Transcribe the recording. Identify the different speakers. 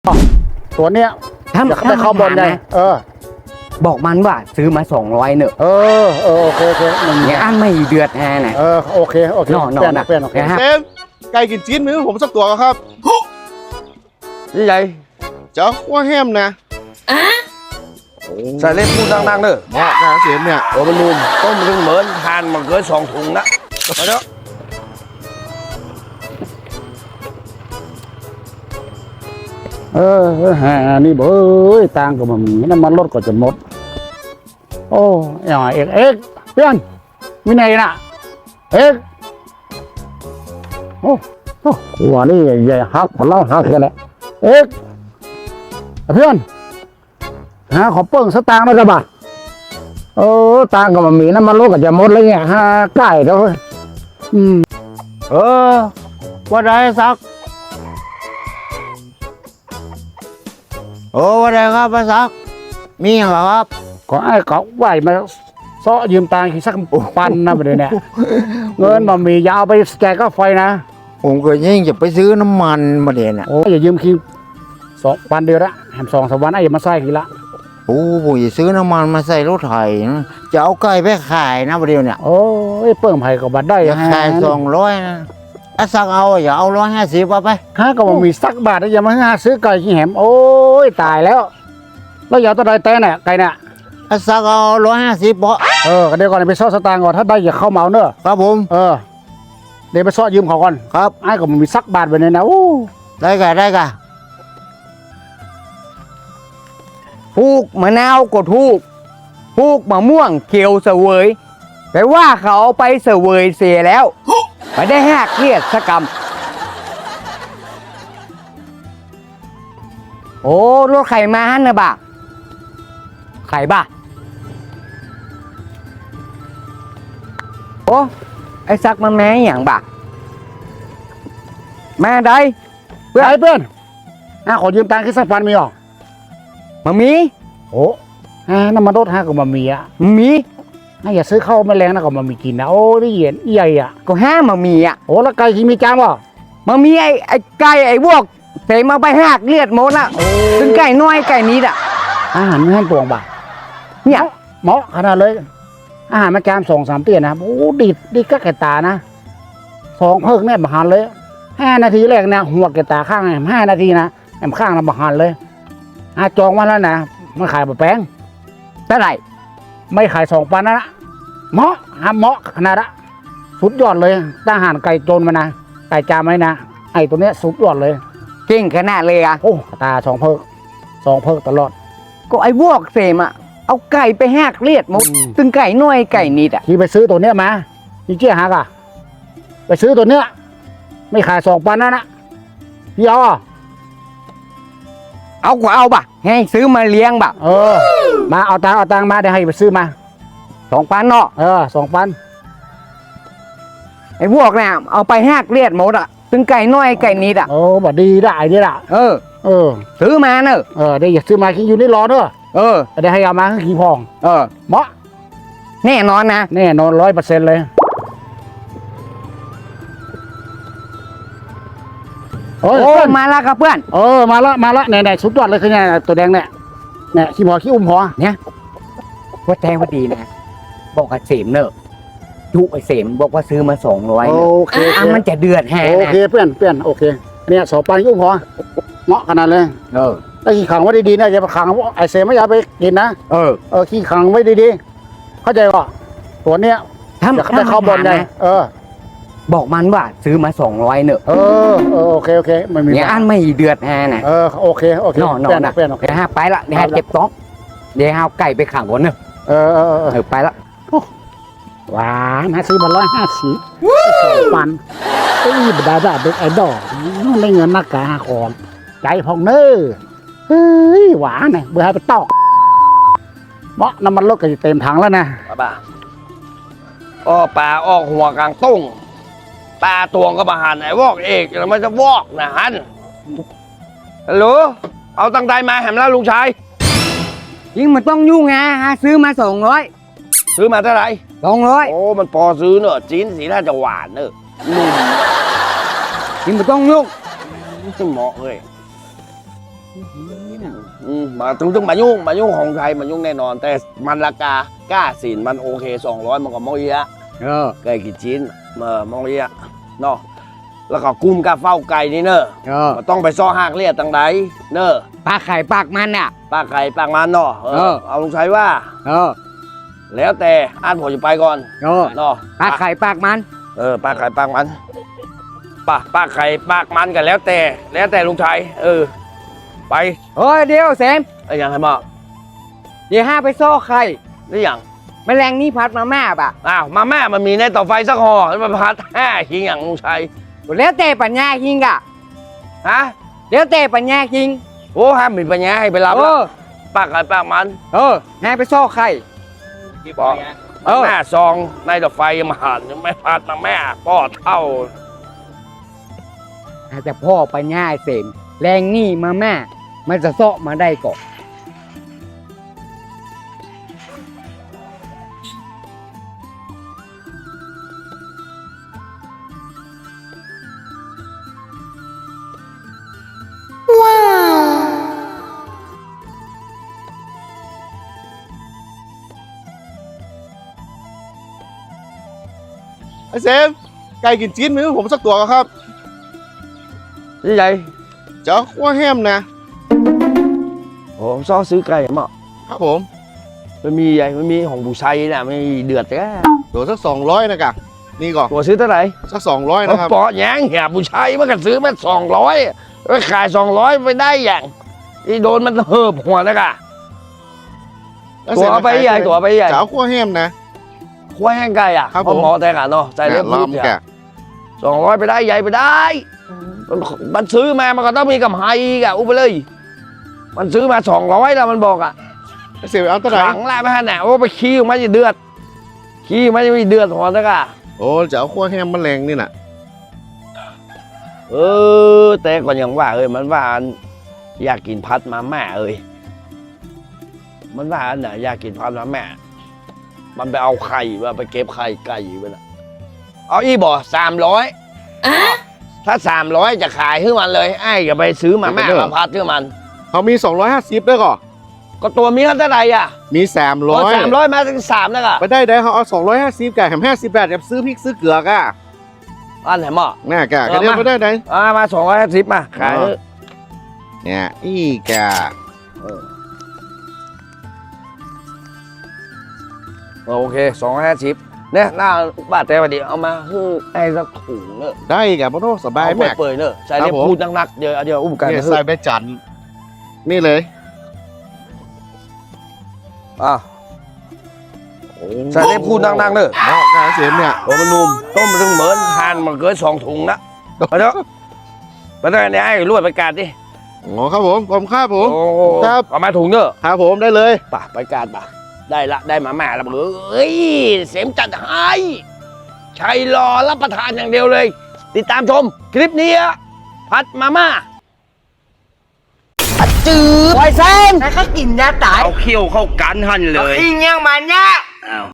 Speaker 1: ตัวเนี้ยจะเข้าบอลไง
Speaker 2: บอกมันว่าซื้อมา200เนอะ
Speaker 1: โอเค
Speaker 2: อย่างอันไม่เดือดแฮน่ะ
Speaker 1: โอเคเปลี่ยน
Speaker 3: เซมไก่กินจีนมือผมสักตัวครับ
Speaker 4: นี่ไง
Speaker 3: เจ้าว่าแฮมนะ
Speaker 4: ใส่เล็บพูดดังๆเนอะ
Speaker 3: เหมาะนะเซมเนี่ย
Speaker 4: โอ้มันนุ่มต้มถึงเหมือนทานมันเกิน2 ถุงนะไปเนาะ
Speaker 1: นี่เบ้ยตังกับมันน้ำมันรถก็จะหมดโอ้ยเอ็กเพื่อนวินัยน่ะเอ็กโอ้หัวนี่ใหญ่หักหัวเล่าหักกันแหละเอ็กเพื่อนขอเปิ้งสตางค์ได้กับบ่ตังกับมันมีน้ำมันรถก็จะหมดเลยเนี่ยใกล้แล้วว่าได้สัก
Speaker 2: ว่าไงครับป้าซักมีอย่างไรครับ
Speaker 1: ก็ไอ้เขาไหวมาซ้อยืมตังค์สักปันนะประเดี๋ยวนี้เงินมันมียาวไปแจกก็ไฟนะ
Speaker 2: ผมก็ยิ่งจะไปซื้อน้ำมันมาเด่นอ่ะ
Speaker 1: อย่ายืมคิว2 วันเดียวละแถม2-3 วันไอ้อย่ามาใส่กี่ละ
Speaker 2: ผมจะซื้อน้ำมันมาใส่รถไถจะเอาไก่ไปขายนะประเดี๋ยวเนี่ย
Speaker 1: เปิ่งไผ่กับบัตรได้
Speaker 2: ขาย200นะสักเอาอย่าเอา150เอาไป
Speaker 1: ก็มันมีสักบาทอย่ามาซื้อไก่ขี้แหมตายแล้วอย่าตัวใดแต่เนี่ยไก่เนี่ย
Speaker 2: สักเอา150บ่
Speaker 1: เดี๋ยวก่อนไปซ่อสตางค์ก่อนถ้าได้อย่าเข้าเมาเนอะ
Speaker 2: ครับผม
Speaker 1: เดี๋ยวไปซ่อยืมเขาก่อน
Speaker 2: ครับ
Speaker 1: ไอ้ก็มันมีสักบาทไปเนี่ยนะ
Speaker 2: ได้กันพูกมะนาวก็ถูกพูกมะม่วงเขียวเสวยแต่ว่าเขาเอาไปเสวยเสียแล้วไม่ได้หักเครียดสักกรรมรถไข่มาฮันนะบ่าไข่บ่าไอ้ซักมาแม่อย่างบ่าแม่ได้
Speaker 1: เพื่อนขอยืมตังค์สักพันมีหรอ
Speaker 2: มามี
Speaker 1: น้ำมันรถกับมามี
Speaker 2: มี
Speaker 1: อย่าซื้อข้าวแมลงนะก็มามีกินนะได้เห็นใหญ่
Speaker 2: ก็มามี
Speaker 1: แล้วไก่ที่มีจามวะ
Speaker 2: มามีไอ้ไก่ไอ้พวกเสมาไปหักเลือดหมดละถึงไก่น้อยไก่นี้อ่ะ
Speaker 1: อาหารไม่ให้ตวงบ่าเนี่ยเหมาะขนาดเลยอาหารมาจาม2-3 เตี้ยนะดีก็แก่ตานะ2 เพิกเนี่ยบาหันเลย5 นาทีแรกนะหัวแก่ตาข้าง5 นาทีนะแอมข้างนะบาหันเลยจองมาแล้วนะมันขายบะแป้ง
Speaker 2: เท่าไหร่
Speaker 1: ไม่ขาย2 ปันนะเหมาะขนาดละสุดยอดเลยทหารไก่โจรมานะไก่จามไหมนะไอ้ตัวเนี้ยสุดยอดเลย
Speaker 2: เก่งขนาดเลย
Speaker 1: ตา2 เพิกตลอด
Speaker 2: ก็ไอ้พวกเสมเอาไก่ไปหักเลือดหมดถึงไก่น้อยไก่นิด
Speaker 1: ที่ไปซื้อตัวเนี้ยมาพี่เจี๊ยหักไปซื้อตัวเนี้ยไม่ขาย2 ปันนะพี่
Speaker 2: เอากว่าเอาบ่ะให้ซื้อมาเลี้ยงบ่ะ
Speaker 1: มาเอาตังมาเดี๋ยวให้ไปซื้อมา
Speaker 2: 2 ปันเนาะ
Speaker 1: 2 ปัน
Speaker 2: ไอ้พวกเนี่ยเอาไปหักเลือดหมดถึงไก่น้อยไก่นิด
Speaker 1: บ่ดีได้ดิล่ะ
Speaker 2: ซื้อมาเนอะ
Speaker 1: เดี๋ยวอย่าซื้อมาขี้อยู่นี่รอเนอะเดี๋ยวให้เอามาขี้พองเหมาะ
Speaker 2: แน่นอนนะ
Speaker 1: แน่นอน100%เลย
Speaker 2: มาแล้วครับเพื่อน
Speaker 1: มาละเนี่ยสุดยอดเลยคือเนี่ยตัวแดงเนี่ยขี้หัวขี้อุ้มหัว
Speaker 2: เนี่ยว่าแจ้งว่าดีนะบอกกับเสมเนอะยุไอเสมบอกว่าซื้อมา200มันจะเดือดแฮ
Speaker 1: โอเคเพื่อนโอเคเนี่ย2 ปันอุ้มหัวเหมาะขนาดเลยไอ้ขี้ขังไว้ดีๆนะอย่าไปขังไอเสมไม่อยากไปกินนะขี้ขังไว้ดีๆเข้าใจป่ะตัวเนี้ยจะเข้าบอลไง
Speaker 2: บอกมันว่าซื้อมา200เนอะ
Speaker 1: โอเคไม่มี
Speaker 2: อย่างอันไม่เดือดแฮน่ะ
Speaker 1: โอเคเ
Speaker 2: ปลี่ยนเดี๋ยวไปละเดี๋ยวเก็บต้องเดี๋ยวเอาไก่ไปขังบนเนอะไปละ
Speaker 1: หวานซื้อมา150 2 ปันบดาเด็กไอ้ดอกได้เงินนักกาของใจพองเนอหวานเนี่ยเบื่อให้ไปตอกเมาะน้ำมันรถก็จะเต็มถังแล้วนะ
Speaker 4: ป่าปลาออกหัวกลางตุ้งปลาตวงก็มาหันไอ้วอกเอกแล้วมันจะวอกนะฮันฮัลโหลเอาตังใจมาแหมแล้วลุงชาย
Speaker 2: ยิ่งมันต้องยุ่งไงซื้อมา200
Speaker 4: ซื้อมาเท่าไหร่
Speaker 2: 200
Speaker 4: มันพอซื้อเนอะจีนสีน่าจะหวานเนอะ
Speaker 2: ยิ่งมันต้องยุ่ง
Speaker 4: เหมาะเลยมาถึงมายุ่งของไทยมันยุ่งแน่นอน แต่มันราคากล้าสินมันโอเค200มันก็มองเยอะ
Speaker 2: เออ
Speaker 4: ไก่กี่ชิ้นมองเยอะเนาะแล้วก็กุ้มกาเฝ้าไก่นี่เนอะ
Speaker 2: เออ
Speaker 4: มันต้องไปซ้อหักเลียดตังใดเนอะ
Speaker 2: ปากไข่ปากมันอ่ะ
Speaker 4: ปากไก่ปากมันเนาะเอาลุงชัยว่า
Speaker 2: เออ
Speaker 4: แล้วแต่อ่านผมจะไปก่อน
Speaker 2: เออ
Speaker 4: เนาะ
Speaker 2: ปากไข่ปากมัน
Speaker 4: ปากไก่ปากมันปากไก่ปากมันกันแล้วแต่ลุงชัยไป
Speaker 2: โอ้ยเดี๋ยวเสม
Speaker 4: ไอ้ยังไงมา
Speaker 2: เดี๋ยวห้าไปซ่อไข่
Speaker 4: หรือยัง
Speaker 2: แมลงนี่พัดมาม่าป่ะ
Speaker 4: อ้าวมาแม่มันมีในต่อไฟสักห่อแล้วมาพัดหิงอย่างลุงชัย
Speaker 2: แล้วแต่ปัญญาคิงอ่ะ
Speaker 4: ฮะ
Speaker 2: แล้วแต่ปัญญาคิง
Speaker 4: โอ้ห้ามมีปัญญาให้ไปรับ
Speaker 2: เอ
Speaker 4: ละ
Speaker 2: อ
Speaker 4: ปากไก่ปากมัน
Speaker 2: ห้าไปซ่อไข่
Speaker 4: บอกแม่ซองในต่อไฟมาหันไม่พัดมาแม่ป้อเท่า
Speaker 2: อาจจะพ่อปัญญาเสมแรงนี่มาม่ามันจะซ่อมาได้ก่อน
Speaker 3: ไอ้เซมไก่กินจีนมือผมสักตัวก็ครับ
Speaker 4: นี่ไง
Speaker 3: เจ้าขั้วแฮมนะ
Speaker 4: ผมซ้อซื้อไก่มา
Speaker 3: ครับผม
Speaker 4: มันมีไงมันมีของบุชัยน่ะไม่เดือดแค่
Speaker 3: ตัวสัก200นะกะนี่ก่อน
Speaker 4: ตัวซื้อเท่าไหร่
Speaker 3: สัก200นะครับ
Speaker 4: ปอแยงเหี่ยบุชัยมันก็ซื้อมา200ไปขาย200ไปได้อย่างที่โดนมันเหิบหัวนะกะ
Speaker 3: แล้ว
Speaker 4: ตัวเอาไปใหญ่ตัวเอาไปใหญ่
Speaker 3: เจ้าขั้วแฮมนะ
Speaker 4: ควายแห้งไก่อ่ะ
Speaker 3: ครับ
Speaker 4: เพราะ
Speaker 3: ผม
Speaker 4: หมอแต่กันเนาะใจเล็บ
Speaker 3: ล้
Speaker 4: พู
Speaker 3: อ
Speaker 4: ด
Speaker 3: ม
Speaker 4: เนี่ย
Speaker 3: แกะ
Speaker 4: 200ไปได้ใหญ่ไปได้มันซื้อมามันก็ต้องมีกำไรอีกอ่ะอุปเลย มันซื้อมา200แล้วมันบอกอ่ะ
Speaker 3: ไอ้เซมเอาตัวไหน
Speaker 4: หลังละไม่หันแหนโอ้ไปขี้ออกมาจะเดือดขี้มันจะมีเดือดหัวนะกะ
Speaker 3: โอ้เจ้าขั้วแฮมมันแรงนี่น่ะ
Speaker 4: แต่ก่อนยังว่ามันว่าอยากกินพัดมาแม่มันว่าอันไหนอยากกินพัดมาแม่ มันไปเอาไข่มาไปเก็บไข่ไก่ไปนะเอาอีบ่300ถ้า300จะขายให้มันเลยไอ้ก็ไปซื้อมาแม่มาพัดให้มัน
Speaker 3: เขามี250ด้วยก่อน
Speaker 4: ก็ตัวมีเท่าไหร่อ่ะ
Speaker 3: มี
Speaker 4: 300มาถึง3แล้วก็
Speaker 3: ไปได้เขาเอา250แกะแถม50บาทแถมซื้อพริกซื้อเกลือกะ
Speaker 4: อันไหนหม้อ
Speaker 3: น่าแกะก็เดียวไปได้ไหน
Speaker 4: มา250มาขาย
Speaker 3: เนี่ยอีแกะ
Speaker 4: โอเค250เนี่ยหน้าบาทแต่วันดีเอามาให้ไอ้สักถุงเนอะ
Speaker 3: ได้แกะพ่อโทษสบาย
Speaker 4: เอา
Speaker 3: แม็ก
Speaker 4: เปิดๆเนอะใส่
Speaker 3: ครั
Speaker 4: เล็
Speaker 3: บบ ผม
Speaker 4: พูดนักๆเดี๋ยวอุ้มกัน
Speaker 3: เนี่ย
Speaker 4: นะ
Speaker 3: ใส่ใบจันทร์นี่เลย
Speaker 4: อ่ะใส่เล็บพูดนักๆเนอะ
Speaker 3: เหมาะกับไอ้เซมเนี่ย
Speaker 4: โอ้มันนุ่มต้มมันถึงเหมือนทานมันเกิน2ถุงนะไปเถอะไปเถอะเนี่ยไอ้รวดไปกาดดิ
Speaker 3: โอ้ครับผมครับผม
Speaker 4: โอ้
Speaker 3: ครับ
Speaker 4: เอามาถุงเนอะ
Speaker 3: ครับผมได้เลย
Speaker 4: ป่ะไปกาดป่ะได้มาแม่แล้วเอ้ยเสมจัดให้ชัยรอรับประทานอย่างเดียวเลย ติดตามชมคลิปนี้อะพัดมาม่า
Speaker 2: จืดไวเซนแล้วก็กินยาตาย
Speaker 4: เอาเขี้ยวเข้ากันหันเลย
Speaker 2: อิงยังมันเนี่ย